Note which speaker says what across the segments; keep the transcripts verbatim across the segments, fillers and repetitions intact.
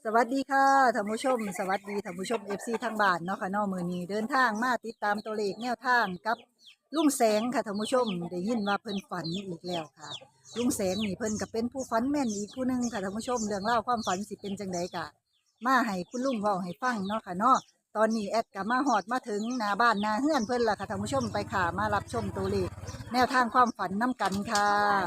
Speaker 1: สวัสดีค่ะท่านผู้ชมสวัสดีท่านผู้ชม เอฟ ซี ทางบ้านเนาะค่ะเนาะมื้อนี้เดินทางมาติดตามตัวเลขแนวทางกับลุงแสงค่ะท่านผู้ชมได้ยินว่าเพิ่นฝันอีกแล้วค่ะลุงแสงนี่เพิ่นก็เป็นผู้ฝันแม่นอีกผู้หนึงค่ะท่านผู้ชมเรื่องเล่าวความฝันสิเป็นจังไดกะมาให้คุณลุงเว้าให้ฟังเนาะค่ะเนาะตอนนี้แอดก็มาฮอดมาถึงหน้าบ้านหน้าเฮือนเพิ่นล่ะค่ะท่านผู้ชมไปค่ะมารับชมตัวเลขแนวทางความฝันนํกันค่ะ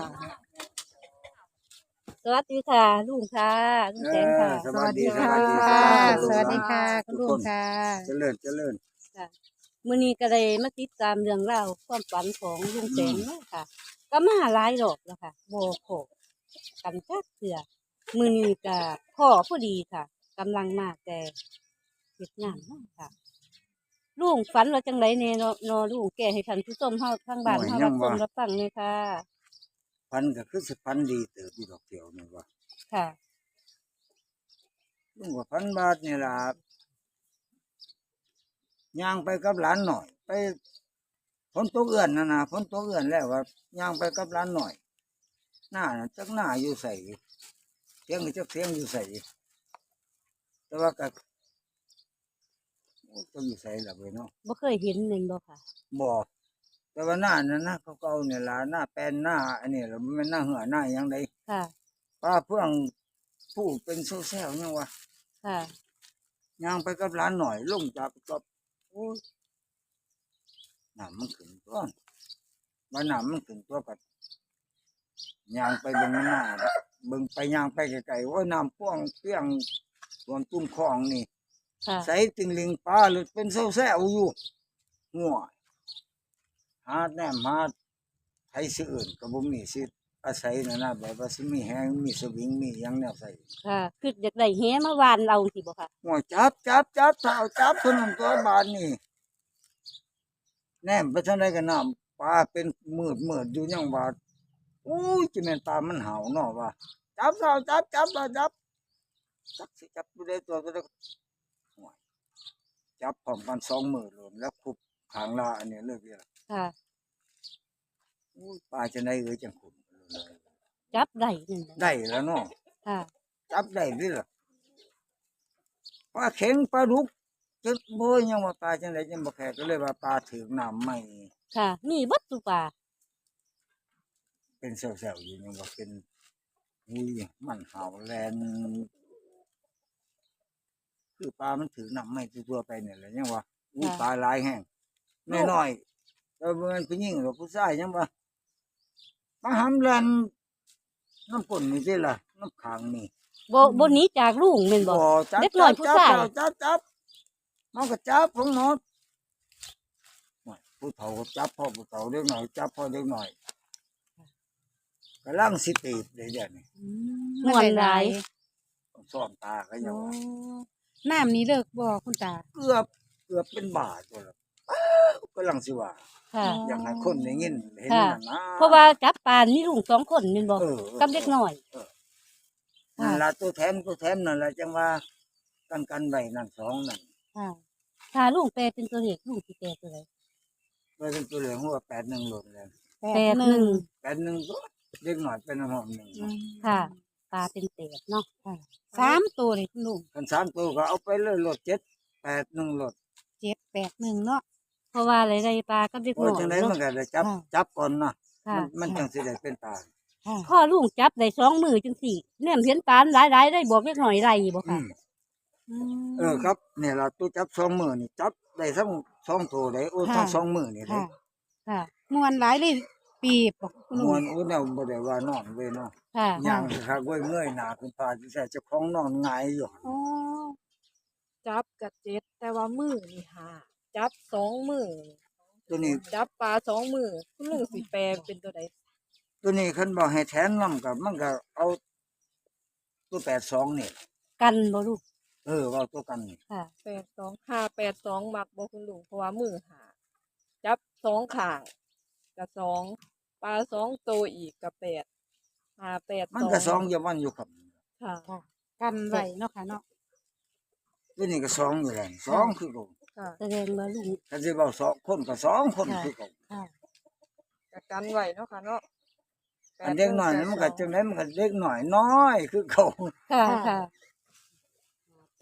Speaker 2: สวัสดีค่ะลุงค่ะลุง
Speaker 3: เอ
Speaker 2: แสงค่ะ
Speaker 3: อสวัสดี
Speaker 1: สวัสดี
Speaker 3: ส
Speaker 1: ค่ะ
Speaker 3: วัสดี
Speaker 1: สวัสดีค่ะ
Speaker 3: ทุกคนเจริญเจริญ
Speaker 2: ค่ะมื้อนี้ก็เลยมาติดตามเรื่องราวความฝันของลุงแสงเนาะค่ะ ก็มาหลายรอบแล้วค่ะบ่พอกันจักเทื่อมื้อนี้ก็พ่อพอดีค่ะกำลังมาแต่เฮ็ดงานเนาะค่ะลุงฝันว่าจังไดแน่เนาะเนาะลุงแก้ให้ท่านผู้ชมเฮาทางบ้านเฮารับชมรับฟังเลยค่ะ
Speaker 3: พันก็คือสิพันดีเติบอยู่ดอกเดียวนี่ว่า
Speaker 2: ค่ะ
Speaker 3: ลุงว่าพันบาทนี่ล่ะย่างไปกับหลานหน่อย ไปฝนตกเอื้อนนะนะฝนตกเอื้อนแล้วว่าย่างไปกับหลานหน่อย หน้าน่ะจักหน้าอยู่ใส่เสียงก็จักเสียงอยู่ใส่แต่ว่าก็โอ้จะอยู่ใส่ละเว้ยเนาะ
Speaker 2: บ่เคยเห็นแม่นบ่ค่ะ
Speaker 3: บ่แต่ว่าหน้านั้นนะเขาเก่าเนี่ยล่ะหน้าแปลนหน้าอันนี้ล่ะมันเป็นหน้าเหือหน้าหยังได
Speaker 2: ค่ะ
Speaker 3: ป้าเพื่องผู้เป็นโซเซลยังวะ
Speaker 2: ค่ะ
Speaker 3: ย่างไปกับร้านหน่อยลงจากกับโอ้ยน้ำมันขึ้นตัวว่าน้ำมันขึ้นตัวกับย่างไปเบิ่งหน้าเบิ่งไปย่างไปไกลๆโอ้ยน้ำพ่วงเปี้ยงส่วนตุ้มคลองนี่
Speaker 2: ค่ะ
Speaker 3: ใส่ติงลิงปลาหรือเป็นโซเซลอยู่หัวหาแนมหาไทยสิอื่นกับบ่มีสิอาศัยนะนะแบบว่าสิมีแหงมีสวิงมีหยังแนวใส่
Speaker 2: ค่ะคืออยากได้แหมาวานเอาสิบ่ค่ะ
Speaker 3: หัวจับจับจับเท้าจับคนนั้นตัวบานนี่แนมไปทางใดกันน้ำปลาเป็นมืดมืดอยู่ยังว่าอู้ยจิแม่นปลามันเห่าเนาะว่าจับเท้าจับจับจับจับจับสิจับอยู่ได้ตัวก็ได้หัวจับพร้อมกันสองมือรวมแล้วคุบขางลาอันนี้เลิกเดียว
Speaker 2: ค่ะ
Speaker 3: อู้ยปลาจะได้เอ้ยจังขุน
Speaker 2: จับได้นั่นแหละ
Speaker 3: ได้แล้วเนาะ
Speaker 2: ค่ะ
Speaker 3: จับได้ดิล่ะปลาเข็งปลาดุกจะโบยยังว่าปลาจังไดจังบ่แข็ก็เลยว่าปลาถึงน้ำไม่
Speaker 2: ค่ะ มีเบัตตุป่า
Speaker 3: เป็นเซลล์อยู่ยังว่าเป็นอุ้ยมันเห่าแลนคือปลามันถือน้ำไม่ตัวไปเนี่ยแหละยังว่าอุ้ยปลาหลายแห้งน้อยๆแต่มันผู้หญิงหรือผู้ชายยังว่าปลาหำแลนน้ำป่นนี่สิล่ะน้ำขังนี่
Speaker 2: บ่บ่หนี้จากลุงแม่นบ่
Speaker 3: จับ
Speaker 2: เด็กน้อย
Speaker 3: จับ
Speaker 2: ผู้
Speaker 3: จับ
Speaker 2: ชาย
Speaker 3: จับจับมันก็จับของหมดผู้เฒ่าก็จับพ่อผู้เฒ่าเด็กหน่อยจับพ่อเด็กหน่อยกำลังสิตีบเลยเดี๋ยวนี้
Speaker 2: ม่วนหลาย
Speaker 3: ซ่อมตาก็ยังว่า
Speaker 4: น้ำนี้เลิกบ่คุณตา
Speaker 3: เกือบเกือบเป็นบาทตัวละกำลังสิว่า
Speaker 2: ค่ะ
Speaker 3: อยากให้คนได้ยินเห็น
Speaker 2: ค่ะ
Speaker 3: นั่นนะ
Speaker 2: เพราะว่าจับปลานี่ลุงสองคนแม่นบ่
Speaker 3: เออ
Speaker 2: กับเด็กน้อย
Speaker 3: นั่นละตัวแถมตัวแถมนั่นละจังว่ากันกันไว้นั่นสองนั่น
Speaker 2: ค่ะถ้าลุงแปลเป็นตัวเลขลุงสิแปลตัวใด
Speaker 3: ไว้เป็นตัวเหลืองหัวแปดหนึ่งหล่นเลย
Speaker 2: แปดหนึ่ง
Speaker 3: แปดหนึ่งตัวเล็กหน่อยเป็นหอมหนึ่ง
Speaker 2: ค่ะปลาเป็นแปดเนาะ
Speaker 4: สามตัวเลยคุณลุง
Speaker 3: กันสามตัวก็เอาไปเลยรถเจ็ดแปดหนึ่งรถ
Speaker 4: เจ็ดแปดหนึ่งเนาะ
Speaker 2: เพราะว่าอะไรได้ปลากับเด็ก
Speaker 3: โอ้
Speaker 2: น้
Speaker 3: ย
Speaker 2: อย
Speaker 3: จังไดมัน
Speaker 2: เนาะ
Speaker 3: ก็ได้จับ
Speaker 4: ค่ะ
Speaker 3: จับก่อนนะ
Speaker 2: ค่ะ
Speaker 3: มันมันจังสิได้เป็นตา
Speaker 4: ค่ะ
Speaker 2: พ่อลุงจับได้สองมือจังสี่แนมเห็นปลาหลายๆได้บอกเด็กน้อยไรบ่
Speaker 3: อื
Speaker 2: ค่ะ
Speaker 3: มเออครับเนี่ยเราตัวจับสองมือนี่จับได้ทั้งสองตัวได้โอ้ทั้งสองมือนี่เลย
Speaker 4: ค่ะ
Speaker 2: ค่ะ
Speaker 4: มวนหลายเลยปีบบอกคุณ
Speaker 3: ม
Speaker 4: ลุ
Speaker 3: ว
Speaker 4: ง
Speaker 3: นอุ้นเอาบ่ได้ว่านอนเว้ยเนาะ
Speaker 2: ค่ะ
Speaker 3: ย่างคักเว้ยเมื่อยหน้าคุณพาสิใส่เจ้าของนอนหงายอยู่
Speaker 4: อ๋อ
Speaker 5: จับกับเจ็ดแต่ว่ามือนี่หาจับสองมือ
Speaker 3: ตัวนี้
Speaker 5: จับปลาสองมือคุณลุงสิแปลเป็นตัวใด
Speaker 3: ตัวนี้คันบอกให้แทนนํกับมันก็เอาตัวแปดสองนี่
Speaker 2: กันบ่ลูก
Speaker 3: เออว่าตัวกันนี่
Speaker 2: ค่ะ
Speaker 5: แปดสองห้าแปดสองมักบ่คุณลุงเพราะว่ามือหาจับสองข้างกับสองปลาสองตัวอีกกับแปดหาแปด
Speaker 3: มันก็สองอยู่มันอยู่ครับ
Speaker 5: ค่ะ
Speaker 4: ค่ะ กันไว้เนาะค่ะเนาะ
Speaker 3: ตัวนี้ก็สองอยู่แล้วสองคือเก่า
Speaker 5: ค่ะ
Speaker 2: แสดงว่าลุง
Speaker 3: คันสิเว้าสองคนก็สองคน
Speaker 2: ค่ะ
Speaker 3: คือเก่า
Speaker 4: ค่ะ
Speaker 5: กับกันไว้เนาะค่ะเนาะแป
Speaker 3: อันเด็กน้อย
Speaker 5: แป
Speaker 3: นี่มันก็
Speaker 5: ส
Speaker 3: จังได๋มันก็เด็กน้อยน้อยคือเก่า
Speaker 2: ค่ะค่ะ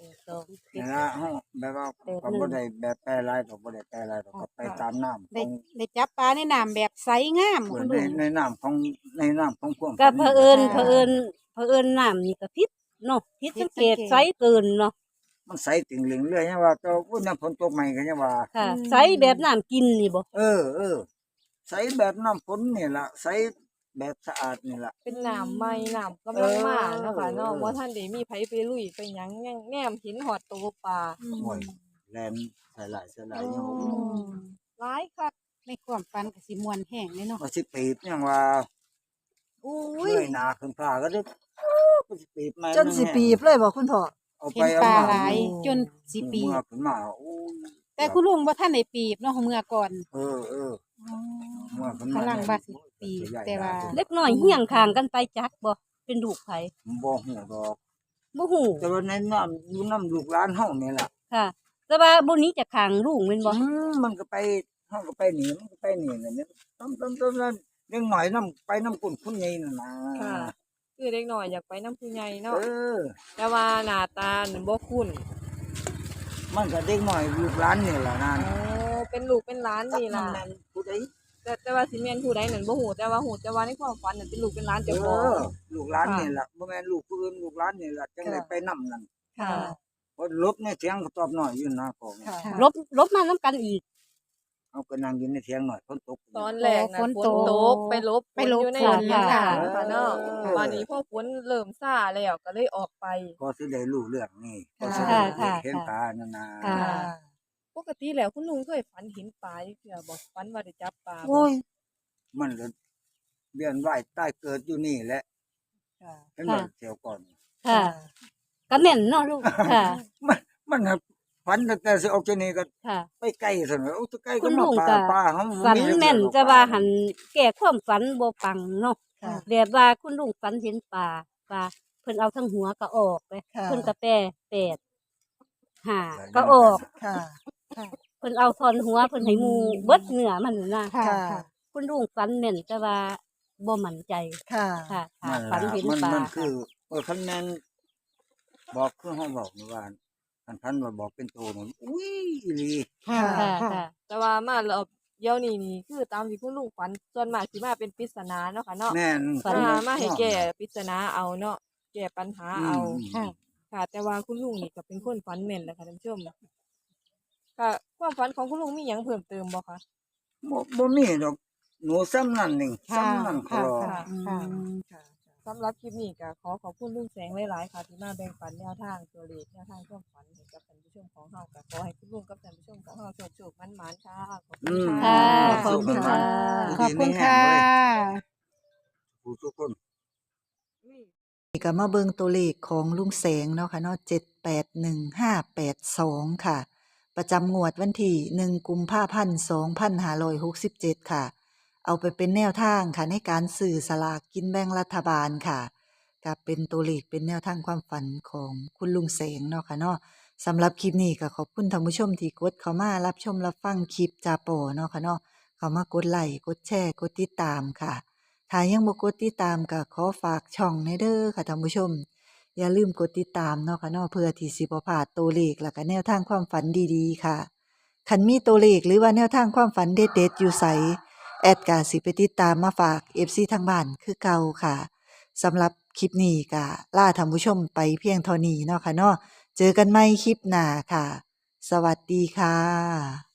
Speaker 2: ดสองเจ็
Speaker 3: นี่
Speaker 2: ด
Speaker 3: ละเฮาแบบว่า
Speaker 2: แปด
Speaker 3: ก็
Speaker 2: หนึ่ง
Speaker 3: บ่ได้แบบแปรหลายก็บ่ได้แปรหลายดอกก็ไปตามน้ำข
Speaker 4: ได้
Speaker 3: อง
Speaker 4: ได้จับปลาในน้ำแบบใสงาม
Speaker 3: เออ
Speaker 4: คุณ
Speaker 3: ใน
Speaker 4: ลุง
Speaker 3: ในน้ำของในน้ำของความ
Speaker 2: ก็
Speaker 3: ฝัน
Speaker 2: เผอิญ
Speaker 4: ค่ะ
Speaker 2: เผอิญเผอิญน้ำนี่ก็พิษเนาะพิษสังเกต
Speaker 4: ผิดสังเกต
Speaker 2: ไซส์เกินเนาะ
Speaker 3: มันใสติ่งเหลืองเรื่อยยังว่าแต่ว่าน้ำฝนตกใหม่ก็ยังว่า
Speaker 2: ค่ะ
Speaker 4: อืม
Speaker 2: ไซส์แบบน้ำกินนี่บ่
Speaker 3: เออเออใสแบบน้ำฝนนี่ล่ะใสแบบสะอาดนี่ล่ะ
Speaker 5: เป็นน้ำใหม่น้ำกำลังมาเนาะค่ะเนาะ
Speaker 3: เออ
Speaker 5: บ่ทันได้มีไผไปลุยไปหยังแง่งแนมเห็นฮอดตัวปลา
Speaker 4: อืม
Speaker 3: โอ้ยแลนใส่หลายใส่หลาย
Speaker 5: โอ้
Speaker 3: ยังว่า
Speaker 4: อืม
Speaker 5: หลายคัก
Speaker 4: ในความฝันก็สิม่วนแห้งเลยเนาะ
Speaker 3: ว่าสิปีบยังว่า
Speaker 1: อุ้
Speaker 3: เง
Speaker 1: ย
Speaker 3: ยหน้าขึ้นฟ้าก็ได้ก็สิปีบมา
Speaker 1: จนสิปีบเลยบ่คุณพ่อ
Speaker 3: เอา
Speaker 4: เห็
Speaker 3: ไป
Speaker 4: น
Speaker 3: เอา
Speaker 4: ปลา
Speaker 3: มา
Speaker 4: หลาย
Speaker 1: โอ้
Speaker 4: จนสิปี
Speaker 3: เมื่อบ ขึ้นมาโอ้ย
Speaker 4: แต่คุณลุงบ่ทันได้ปีบเนาะเมื่อก่อน
Speaker 3: เออเออเมื่อขึ้นมาก
Speaker 4: ำลังว่าสิปีบแต่ว่า
Speaker 2: เล็กน้อยเหี่ยงข้างกันไปจักบ่เป็นลูกไผ
Speaker 3: บ่ฮู้ดอก
Speaker 2: บ่ฮู้
Speaker 3: แต่ว่าในน้ำอยู่น้ำลูกหลานเฮานี่ล่ะ
Speaker 2: ค่ะ แต่ว่าบ่หนี้จากข้างลุงแม่นบ่
Speaker 3: อืมมันก็ไปเฮาก็ไปหนีมันก็ไปหนีนั่นเนี่ยต้มต้มต้มนั่นเรื่องหน่อยน้ำไปน้ำกุ่นคุณใหญ่นั่นนะ
Speaker 5: ค่ะ คือเด็กน้อยอยากไปนำผู้ใหญ่เนาะ
Speaker 3: เออ
Speaker 5: แต่ว่าหน้าตานี่บ่คุ้น
Speaker 3: มันก็เด็กหน่อยลูกหลานนี่ล่ะนั่น
Speaker 5: โอ้เป็นลูกเป็นหลานนี่ล่ะ
Speaker 3: จักมันแม่นผู้ใด
Speaker 5: แต่แต่ว่าสิแม่นผู้ใดนั่นบ่ฮู้แต่ว่าฮู้แต่ว่าในความฝันนั่นเป็นลูกเป็นหลาน
Speaker 3: เอ
Speaker 5: เจ้าของ
Speaker 3: อลูกหลาน
Speaker 5: ค่ะ
Speaker 3: นี่ล่ะบ่แม่นลูกผู้อื่นลูกหลานนี่ล่ะจังได้ไปนำนั่น
Speaker 5: ค่ะ
Speaker 3: เพราะลบในเถียงก็ตอบน้อยอยู่นะของ
Speaker 1: ค่ะ
Speaker 4: ค่ะ
Speaker 2: ลบลบมานํกันอีก
Speaker 3: เอาก็นั่งอยู่ในเถียงหน่อยฝนตก
Speaker 5: ตอนแรกน่ะ
Speaker 4: ฝน
Speaker 5: ฝน
Speaker 4: ตก
Speaker 5: ตกไปลบ
Speaker 4: ไปลบ
Speaker 5: ฝนอยู่ใน
Speaker 2: ฝน
Speaker 5: เถียง
Speaker 2: ค่ะ
Speaker 5: นาค่ะเนาะ
Speaker 3: เออ
Speaker 5: วันนี้พอฝนเริ่มซ่าแล้วก็เลยออกไป
Speaker 3: ก็สิได้รู้เรื่องนี่ก็
Speaker 1: ค่ะ
Speaker 3: สิได้
Speaker 2: ค่ะ
Speaker 3: เห็น
Speaker 2: ค่ะ
Speaker 3: ตานั่นน่ะ
Speaker 2: ค่ะ
Speaker 5: ปกติแล้วคุณลุงเคยฝันเห็นปลาอยู่เทื่อบ่ฝันว่าได้จับปลาบ่
Speaker 3: โอ้ยมันเลยเวียนว่ายใต้เกิดอยู่นี่แหละ
Speaker 1: ค่ะ
Speaker 3: เห็นบ่เที่ยวก่อน
Speaker 2: ค่ะก็แม่นเนาะลูกค่ะ
Speaker 3: มันมันน่ะฝันตั้งแต่สิออกจากนี่ก็
Speaker 2: ค่ะ
Speaker 3: ไปไกลซั่นว่าโอ้ตะไกล
Speaker 2: คุ
Speaker 3: ก็
Speaker 2: ณ
Speaker 3: มา
Speaker 2: ลุง
Speaker 3: ป่า
Speaker 2: ก็
Speaker 3: ป่าเฮา
Speaker 2: ฝัน
Speaker 3: จัก
Speaker 2: แม่น
Speaker 3: เทื่อ
Speaker 2: จะว่าหันแก้ความฝันบ่ปังเนาะ
Speaker 1: ค่ะ
Speaker 2: แบบว่าคุณลุงฝันเห็นปลาปลาเพิ่นเอาทั้งหัวก็ออกเลย
Speaker 1: ค่ะ
Speaker 2: เพิ่นก็แปรแปดห้าก็ออก
Speaker 1: ค่ะ
Speaker 2: เพิ่นเอาทอนหัวเพิ่นให้หมู่เบิดเนื้อมันน่ะ
Speaker 4: ค่ะ
Speaker 1: ค่ะ
Speaker 4: ค่ะ
Speaker 2: คุณลุงฝันแม่นแต่ว่าบ่มั่นใจ
Speaker 1: ค่ะ
Speaker 2: ค่ะค่ะ
Speaker 3: นั่น
Speaker 2: ฝัน
Speaker 3: ล่ะ
Speaker 2: เห็น
Speaker 3: มัน
Speaker 2: ปลา
Speaker 3: มัน
Speaker 2: ค่ะ
Speaker 3: คือเออคันแม่นบอกคือเฮาบอกนี่ว่าคันพันว่าบอกเป็นโตนั่นอุ้ยอีหลี
Speaker 4: ค่ะ
Speaker 2: ค่ะ
Speaker 4: ค่ะ
Speaker 2: ค่ะ
Speaker 5: แต่ว่ามารอบเดี๋ยวนี้นี่คือตามที่คุณลุงฝันส่วนมากสิมาเป็นปริศนาเนาะค่ะเนาะ
Speaker 3: แม่น
Speaker 2: ฝัน
Speaker 5: มามาให้แก้ปริศนาเอาเนาะแก้ปัญหาเอา
Speaker 4: ค่ะ
Speaker 5: ค่ะ แต่ว่าคุณลุงนี่ก็เป็นคนฝันแม่นแหละค่ะท่านผู้ชมค่ะความฝันของคุณลุงมีหยังเพิ่มเติมบ่คะ
Speaker 3: บ่บ่มีดอกหนูซ้ำนั่นนี่
Speaker 4: ค่ะ
Speaker 3: ซ้ำนั่นก็
Speaker 4: ค่ะ
Speaker 3: รอ
Speaker 4: ค่ะ
Speaker 1: อื
Speaker 4: ค่ะ
Speaker 1: มค่ะ
Speaker 5: สำหรับคลิปนี้ก็ขอขอบคุณลุงแสงหลายๆค่ะที่มาแบ่งปันแนวทางตัวเลขแนวทางความฝันให้กับท่านผู้ชมของเฮาก็ขอให้คุณลุงกับท่านผู้ชมของเฮาโชคๆมันๆค่ะขอบคุ
Speaker 3: อื
Speaker 5: ณ
Speaker 3: ม
Speaker 5: ค่ะ
Speaker 2: ขอบคุณค่ะ
Speaker 4: ขอบคุณค่ะ
Speaker 3: ผู้ทุกคน
Speaker 1: นี่ก็มาเบิ่งตัวเลขของลุงแสงเนาะค่ะเนาะเจ็ดแปดหนึ่งห้าแปดสองค่ะ ประจำงวดวันที่หนึ่งกุมภาพันธ์สองพันห้าร้อยหกสิบเจ็ดค่ะ เอาไปเป็นแนวทางค่ะในการสื่อสลากกินแบ่งรัฐบาลค่ะกับเป็นตัวเลขเป็นแนวทางความฝันของคุณลุงแสงเนาะค่ะเนาะสำหรับคลิปนี้ก็ขอบคุณท่านผู้ชมที่กดเข้ามารับชมรับฟังคลิปจาโปเนาะค่ะเนาะเข้ามากดไลค์กดแชร์กดติดตามค่ะ ถ้ายังบ่กดติดตามก็ขอฝากช่องในเด้อค่ะท่านผู้ชม อย่าลืมกดติดตามเนาะค่ะเนาะเพื่อที่สิบ่พลาดตัวเลขและก็แนวทางความฝันดีๆค่ะคันมีตัวเลขหรือว่าแนวทางความฝันเด็ดๆอยู่ไสแอดก็สิไปติดตามมาฝาก เอฟ ซี ทางบ้านคือเก่าค่ะสำหรับคลิปนี้ก็ลาท่านผู้ชมไปเพียงเท่านี้เนาะค่ะเนาะเจอกันใหม่คลิปหน้าค่ะ สวัสดีค่ะ